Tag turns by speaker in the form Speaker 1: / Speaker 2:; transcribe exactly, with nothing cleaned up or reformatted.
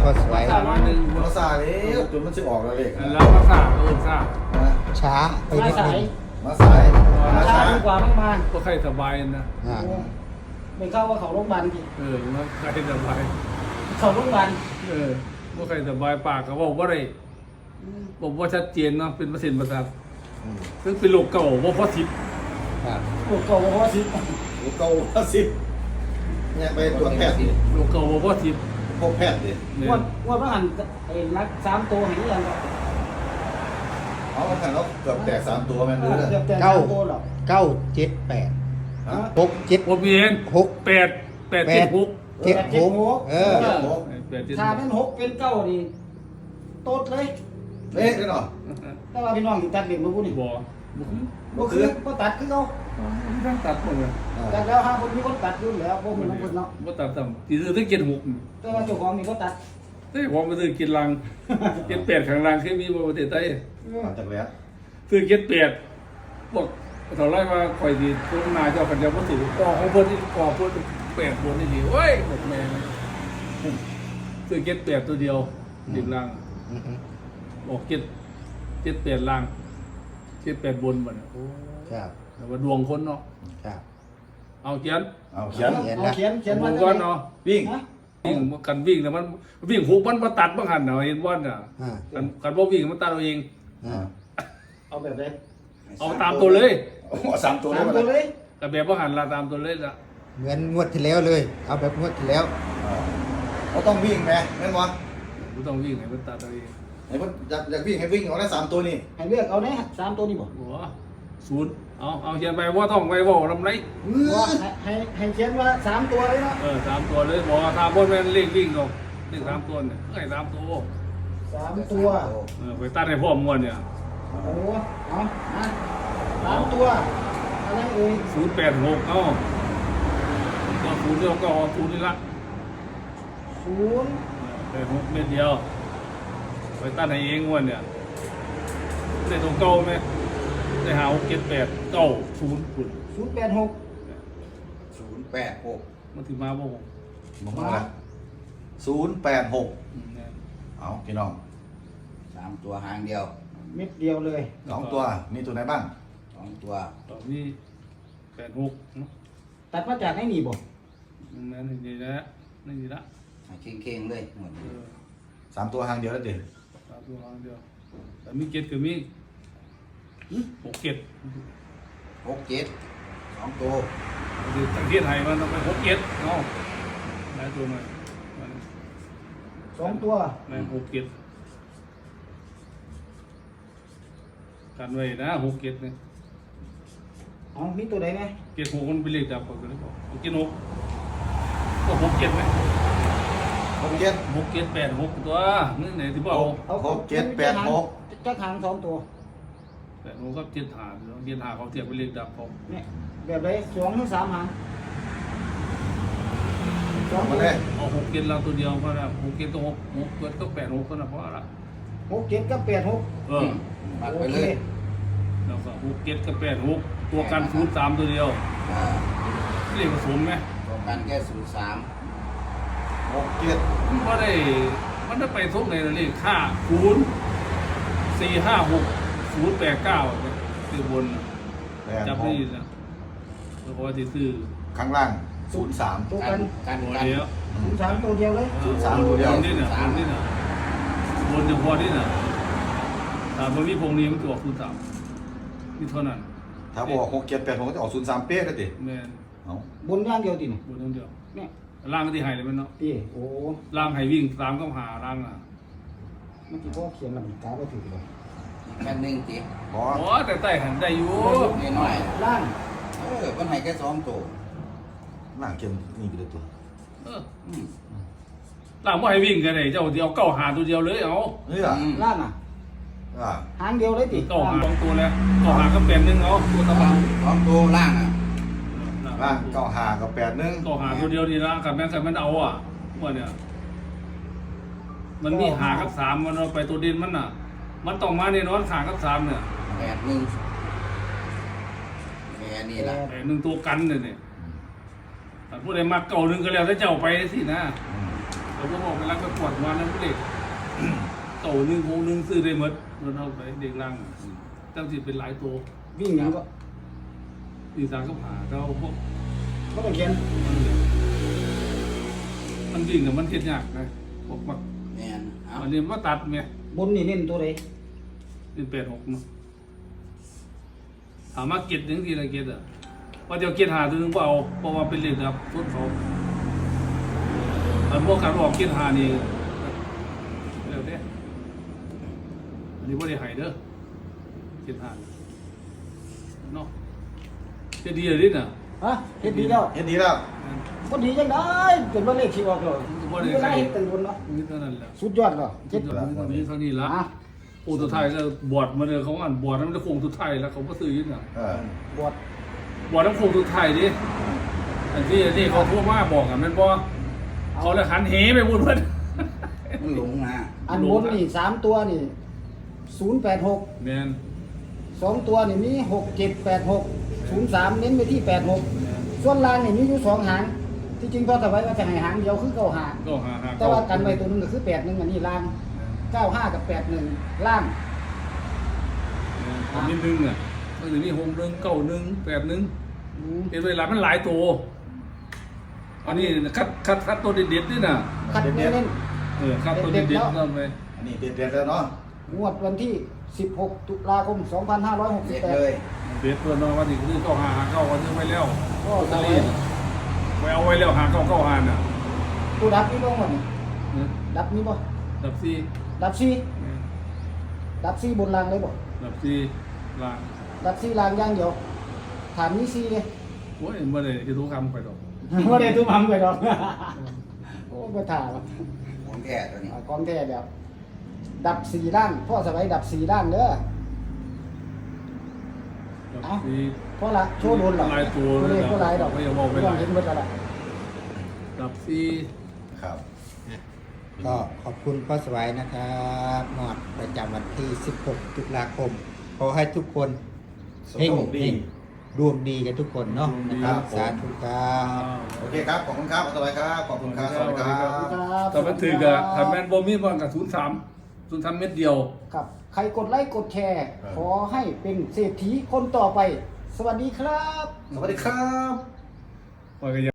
Speaker 1: ก็สวย
Speaker 2: สามวันหนึ่ง
Speaker 3: มาซาเลยจนมันจะออกแล้วเลข
Speaker 2: แล้วมาสร้างเออสร้าง
Speaker 1: ช้าไป
Speaker 4: มา
Speaker 1: นิด
Speaker 4: สา
Speaker 1: นึ
Speaker 4: ย
Speaker 1: ง
Speaker 3: มาสาย
Speaker 4: มา
Speaker 3: มา
Speaker 4: ช้า
Speaker 3: ช้า
Speaker 4: ดีกว่าไม่มา
Speaker 2: ก็ใครสบายนะ
Speaker 1: อ่า
Speaker 4: ไม่เข้าว่าเขาโรงพยาบาลกี่
Speaker 2: เออมาใครสบาย
Speaker 4: เขาโรงพยาบาล
Speaker 2: เออว่าใครสบายปากก็บอกว่าอะไรบอกว่าชัดเจนเนาะเป็นเปอร์เซ็นต์ประสาท
Speaker 1: อืม
Speaker 2: ซึ่งเป็นโรคเก่าว่าพอทิพ
Speaker 1: ครับ
Speaker 4: โอ้โหเพราะว่าสิ
Speaker 3: หรือเก้าห้าสิบเนี่ยไปตรวจแพทย์ดิ
Speaker 2: โรคเก่าว่าพอทิพ
Speaker 3: พบแพทย์ดิ
Speaker 2: เนี่ย
Speaker 4: งวดงวดพระหันไอ้รักสามตัวเห็นยัง
Speaker 3: เอามาขันเราเกือบแตกสามตัวแม่นหรือ
Speaker 4: เกือบแต่สามตัวหรอก
Speaker 1: เก้าเจ็ดแปด
Speaker 3: ฮะ
Speaker 1: หกเจ็ด
Speaker 2: ผมเห็น
Speaker 1: หก
Speaker 2: แปดแปดเจ็ดหก
Speaker 1: เจ็ดหกเออ
Speaker 2: แปดเจ็ดห
Speaker 4: ถ้าก เป็นหกเป็นเก้านี่โต๊ดเลย
Speaker 3: เละเลยเนาะ
Speaker 4: แต่ว่าพี่น้องที่ตัดเด็กมาพูดนี่
Speaker 2: บ่บ่
Speaker 4: ก็คือก็ตัดคือเขา
Speaker 2: ทั้งตัดหมดเลย
Speaker 4: ตัดแล้วห้าคนมีคนตัดอยู่แล้วพวกมันน้องคนเนาะ
Speaker 2: บ่ตัดต่ำตีซื้อตั้งเจ็ดหก
Speaker 4: แต่ว่าเจ้าของนี่เขาตัด
Speaker 2: เฮ้ยผมไปซื้อกินลังเจ็ดแปดข้างล่างเคยมีบ่ประเทศไทย
Speaker 3: มาจากแล้ว
Speaker 2: ซื้อเจ็ดแปดบอกเท่าไรว่าคอยดีต้นนาเจ้ากันจะบ่ถือก่อของเพิ่นที่ก่อเพิ่นแปดบนนี่ดีเว้ยบอกแม่ซื้อเจ็ดแปดตัวเดียวดิบล่าง
Speaker 1: อือฮึ
Speaker 2: บอกเจ็ดเจ็ดแปดล่างเจ็ดแปดบนบ่เนี่ย
Speaker 1: ครับ
Speaker 2: แต่ว่าดวงคนเนาะ
Speaker 1: ครับ
Speaker 2: เอาเขียน
Speaker 3: เอาเขียน
Speaker 4: เอาเขียนเขียน
Speaker 2: ดว
Speaker 4: ว่าง
Speaker 2: ก่อนเนาะ
Speaker 3: วิ่ง
Speaker 4: ฮะ
Speaker 2: วิ่งกันวิ่งแล้วมันวิ่งหกมันมาตัดบางหันเนาะเห็นว่าน่ะ
Speaker 1: อ่า
Speaker 2: กันกันบ่วิ่งมันตัดเอาเอง
Speaker 1: อ่า
Speaker 4: เอาแบบไหน
Speaker 2: เอาตามตัวเลย
Speaker 3: เอาสามตัว
Speaker 4: สาม
Speaker 3: ได้
Speaker 4: ตัว
Speaker 3: ไหม
Speaker 4: เลย
Speaker 2: แต่แบบว่าหันละตามตัวเลยละ
Speaker 1: เหมือนงวดที่แล้วเลย เอาแบบงวดที่แล้ว
Speaker 3: เราต้องวิ่งไหมแม่นวะ
Speaker 2: ไม่ต้องวิ่งให้มันตัดเอาเอง
Speaker 3: ไอ้พวกอยากอยากวิ่งให้วิ่งเอาได้สามตัวนี่
Speaker 4: ให้เลือกเอาเนี่ยสามตัวนี่บอก
Speaker 2: หัวศูนย์เอาเอาเขียนไปว่าท่องไปว่าลำไร
Speaker 4: ว่าให้ให้เขียนว่าสามตัวเลยเนาะ
Speaker 2: เออสามตัวเลยบอกว่าตามบนแม่นเลขวิ่งหรอกเลขสามตัวเนี่ยให้สามตัว
Speaker 4: สามตัว
Speaker 2: เออไปตัดให้พ่อมวนเนี่ย
Speaker 4: โอ้โหเอานะสามตัวอะไรเอ่ย
Speaker 2: ศูนย์แปดหกเอาก็ศูนย์เดียวก็เอาศูนย์นี่ละ
Speaker 4: ศูนย์
Speaker 2: แปดหกเม็ดเดียวไปตัดให้เองมวนเนี่ยได้ตรงเก้าไหมได้หาหกเจ็ดแปดเก้าศูนย์คุณ
Speaker 4: ศูนย์แปดหก
Speaker 3: ศูนย์แปดหก
Speaker 2: มันถึงมาบ่หก
Speaker 3: มองมาละศูนย์แปดหก
Speaker 2: อืมเนี่ย
Speaker 3: เอาพี่น้อง
Speaker 5: สามตัวหางเดียว
Speaker 4: เม็ดเดียวเลย
Speaker 3: สองตัวมีตัวไหนบ้าง
Speaker 5: สองตัว
Speaker 2: ตอนนี้แปดหกเนาะ
Speaker 4: ตัดมาจากไหนนี่บอก
Speaker 2: นั่นนี่นะนี่นี่ละ
Speaker 5: เข่งเข่งๆเลยหมด
Speaker 2: เออ
Speaker 3: สามตัวหางเดียวแล้วเด็
Speaker 2: สามตัวครั้งเดียวแต่มีเกตกับมีหกเกต
Speaker 5: หกเจ็ดสองตัว
Speaker 2: คือตั้งเกตไทยมันต้องไปหกเกตเนาะได้ตัวหน่อยมัน
Speaker 4: สองตัว
Speaker 2: ได้หกเกตกันไว้นะหกเกตเนี่ย
Speaker 4: เอามีตัวไหนไหม
Speaker 2: เกตหกมันเป็นเลขดับก่อนเลยบอกเกตหกก็หกเกตไหม
Speaker 3: หกเจ็ด
Speaker 2: หกเกตแปดหกตัวนี่ไหนที่บอก
Speaker 4: เอา
Speaker 3: หกเจ็ดแปดหก
Speaker 4: จะหางสองตัว
Speaker 2: แปดหกก็เจ็ดหาเจ็ดหาเขาเทียบเป็นเลขดับเขา
Speaker 4: เนี่ยแบบไหนสองหรือสามหางสอง
Speaker 3: เอา
Speaker 4: ตั
Speaker 3: มาว เลย
Speaker 2: เอาหกเกตเราตัวเดียวก็ได้หกเกตตัวหกหกเกตก็แปดหกก็นะเพราะอะไร
Speaker 4: หกเจ็ดกับแปดหก
Speaker 2: เออ
Speaker 5: ปัด
Speaker 4: โอ
Speaker 5: ไป
Speaker 4: เค
Speaker 5: เลย
Speaker 2: แล้วก็หกเกตกับแปดหกตัวกันศูนย์สามตัวเดียว
Speaker 5: อ่า
Speaker 2: เรียกผสมไหม
Speaker 5: ตัวกันแค่ศูนย์สาม
Speaker 3: หกเจ็ด
Speaker 2: มันก็ได้มันได้ไปทุกในเลขค่าศูนย์สี่ห้าหกศูนย์แปดเก้าคือบน
Speaker 3: แปด
Speaker 2: จับ
Speaker 3: ห
Speaker 2: ได้
Speaker 3: ก
Speaker 2: นะแล้วก็ที่ซื้อ
Speaker 3: ข้างล่างศูนย์สาม
Speaker 4: ตัว
Speaker 5: กั
Speaker 4: กัน น
Speaker 5: กัน
Speaker 2: ตัว
Speaker 5: กัน
Speaker 2: เดียว
Speaker 4: ศูนย์สามตัวเดียวเลย
Speaker 3: ศูนย์สามตัวเดียว
Speaker 2: บนนี่นะบนนี่นะบนเฉพาะนี่นะแต่บนวิพงนี้มันตัวคูณสามนี่เท่านั้น
Speaker 3: ถ้าบอกหกเจ็ดแปดหกก็จะออกศูนย์สามเป๊ะเลยดิ
Speaker 2: แม่น
Speaker 3: เอา
Speaker 4: บนย่างเดียวติเนี่ย
Speaker 2: บนทั้งเดียว
Speaker 4: เนี่ย
Speaker 2: ล่างก็ที่ไฮเลยมันเนาะ
Speaker 4: ตีโอ้
Speaker 2: ล่างไฮวิ่งตามก็หาล่างอ่ะ
Speaker 4: เมื่อกี้พ่อเขียนลำกาไปถือเลย
Speaker 5: แค่หนึ่งติ
Speaker 3: บอ
Speaker 2: โอ้แต่ใต้หันได้อยู่
Speaker 5: น้อย
Speaker 4: ล่าง
Speaker 5: ๆเออมันให้แค่สองตัว
Speaker 3: ล่างเกมนี่ไปเลยตัว
Speaker 2: เออ
Speaker 5: อืม
Speaker 2: ล่างว่าให้วิ่งกันเลยเจ้าเดียวเก้าหาตัวเดียวเลยเอา
Speaker 3: นี่อ่ะ
Speaker 5: อืม
Speaker 4: ล่างอ่ะ
Speaker 3: อ่า
Speaker 4: หางเดียวเลยติ
Speaker 2: เก้าหาสองตัวแล้วเก้าหาก็เป็นหนึ่งเอาตัวตะ
Speaker 5: สอ
Speaker 2: บั
Speaker 5: ง
Speaker 2: ง
Speaker 5: สองตัวล่างอ่ะ
Speaker 3: ล่างเก้าหากับแปดหนึ่ง
Speaker 2: เก้าหาตัวเดียวดีนะกับแม่กับมันเอาอ่ะว่าเนี่ยมันมีหากับสามมันเอาไปตัวดินมันน่ะ มันต้องมาในนอนขากับสามเนี่ย
Speaker 5: แปดหนึ่งแค่นี้ละ
Speaker 2: แต่หนึ่งตัวกันเนี่ยเนี่ยแต่ผู้ใดมาเก่าหนึ่งก็แล้วถ้าเจ้าไปสินะ
Speaker 3: อืม
Speaker 2: เออเขาก็บอกเวลาก็ปวดมานั่นเด็กโตหนึ่งโคงหนึ่งซื้อได้หมดมันเอาไปเด็กล่างตั้งสิเป็นหลายตัว
Speaker 4: วิ่งหยังก็
Speaker 2: ดีสารก็ผ่าเราพวก
Speaker 4: ก็ต้องเขียน
Speaker 2: มันวิ่งเนี่ยมันเทียนยากนะพวกมัก
Speaker 5: แม่นเอา
Speaker 2: อันนี้ว่าตัดไหม
Speaker 4: บนนี่เน้นตัวใด
Speaker 2: เป็นแปดหกเนาะถามว่าเก็ตยังทีละเก็ตอ่ะว่าเดี๋ยวเก็ตหาตัวนึงก็เอาเพราะว่าเป็นเลขครับต้นเขาอันพวกการบอกเก็ตหานี่เร็วเด้อันนี้ว่าได้หายเด้อเก็ตหาเนาะจะดีอะไรน่ะ
Speaker 4: ฮะเฮ็ดดีแล้ว
Speaker 3: เฮ็ดดีแล้ว
Speaker 4: บ่ดีจังได้เป็นว่าเลขที่ออกแล้วบ่ได้เฮ็ดตึงบนเนาะ
Speaker 2: นี่เท่านั้นแหละ
Speaker 4: สุดยอดก็เจ็ด
Speaker 2: นี้เท่านี้ละ
Speaker 4: อ่ะ
Speaker 2: โอ้ตัวไทยก็บวชมาเลยเขาอ่านบวชนั้นมันจะโค้งตัวไทยแล้วเขาก็ซื้อยึดน่ะ
Speaker 3: เออบ
Speaker 4: วช
Speaker 2: บวชน้ำโค้งตัวไทยดิอันที่อันที่เขาทั่วมาบอกอ่ะมันบ่เขาเลยหันเหไปพูดเพื่อน
Speaker 5: มันหลงนะ
Speaker 4: อันบนนี่สามตัวนี่ศูนย์แปดหก
Speaker 2: แมน
Speaker 4: สองตัวนี่มีหกเจ็ดแปดหกศูนย์สามเน้นไปที่แปดหกส่วนล่างนี่มีอยู่สองหางที่จริงพอสบายว่าจะให้หางเดียวคือเก้าหาง
Speaker 2: ก็หาหา
Speaker 4: แต่ว่ากันไว้ตัวหนึงก็คือแปดหนึ่งอันนี้ล่างเก้าห้ากับแปดหนึ่งล่าง
Speaker 2: อันนี้หนึ่งอ่ะมันจะมีหกหนึ่งเก้าหนึ่งแปดหนึ่ง
Speaker 4: อืม
Speaker 2: เห็นเวลามันหลายตัวอันนี้คัดคัดคัดตัวเด็ดๆด้วยน่ะ
Speaker 4: คัดเน้น
Speaker 2: เออคัดตัวเด็ดๆนั่นไป
Speaker 3: อันนี้เด็ดๆแล้วเนาะ
Speaker 4: งวดวันที่สิบหกตุลาคมสองพันห้าร้อยหกสิ
Speaker 5: เด็
Speaker 4: บ
Speaker 5: ด
Speaker 4: แปด
Speaker 5: เลย
Speaker 2: เด็ดตัวน้องว่านี่คือเก้าหาหาเก้าก็ซื้อไว้แล้ว
Speaker 4: ก็
Speaker 2: ลอตเตอ
Speaker 4: ทำไว้
Speaker 2: รี่ไว้เอาไว้แล้วหาเก้าเก้าหาน่ะ
Speaker 4: ตัวดับนี่บ้างวะนี่
Speaker 2: นะ
Speaker 4: ดับนี่บ่
Speaker 2: ดับซี่
Speaker 4: ดับซีดับซีบนรางเลยบ่
Speaker 2: ดับซี่ลาง
Speaker 4: ดับซีรางอย่างเดียวฐานนี้ซีเลย
Speaker 2: โอ้ยเมื่อไหร่จะรู้คำไปดอก
Speaker 4: ไม่ได้ตุ้มทำไปดอกโอ้ไปถ่าว่ะ
Speaker 5: ของแท้ตัวนี้
Speaker 4: อ่ากองแท้แบบ ดับสี่ด้านพ่อสบายดับสี่ด้านเด้อ
Speaker 2: ดับซี่
Speaker 4: เพราะละโชว์โดนหรอก
Speaker 2: ลายตัว
Speaker 4: เล
Speaker 2: เลย
Speaker 4: ขก็ลายดอก
Speaker 2: ไม่อยากบอกไป
Speaker 4: ไม่
Speaker 2: ห
Speaker 4: ต้
Speaker 2: ลา
Speaker 4: อง
Speaker 2: ย
Speaker 4: เห็นเบิดแล้วล่ะ
Speaker 2: ดับซี่
Speaker 3: ครับ
Speaker 1: ก็ขอบคุณพ่อสวัยนะครับงวดประจำวันที่ สิบหก ตุลาคม ขอให้ทุกคน
Speaker 3: ส
Speaker 1: เฮง
Speaker 3: มดี
Speaker 1: เฮงดวงดีกันทุกคนเนาะนะครับสาธุครับ
Speaker 3: โอเคครับ ขอบคุณครับสวัสดีครับ ขอบคุณครับ สวัสดีครับ
Speaker 4: ครับ
Speaker 2: แต่มันถือกับทำแมนบอมี่บอลกับศูนย์สามศูนย์สามเม็ดเดียว
Speaker 4: ครับ ใครกดไลค์กดแชร์ ขอให้เป็นเศรษฐีคนต่อไป สวัสดีครับ
Speaker 3: สวัสดีครับ
Speaker 2: ปล่อยกัน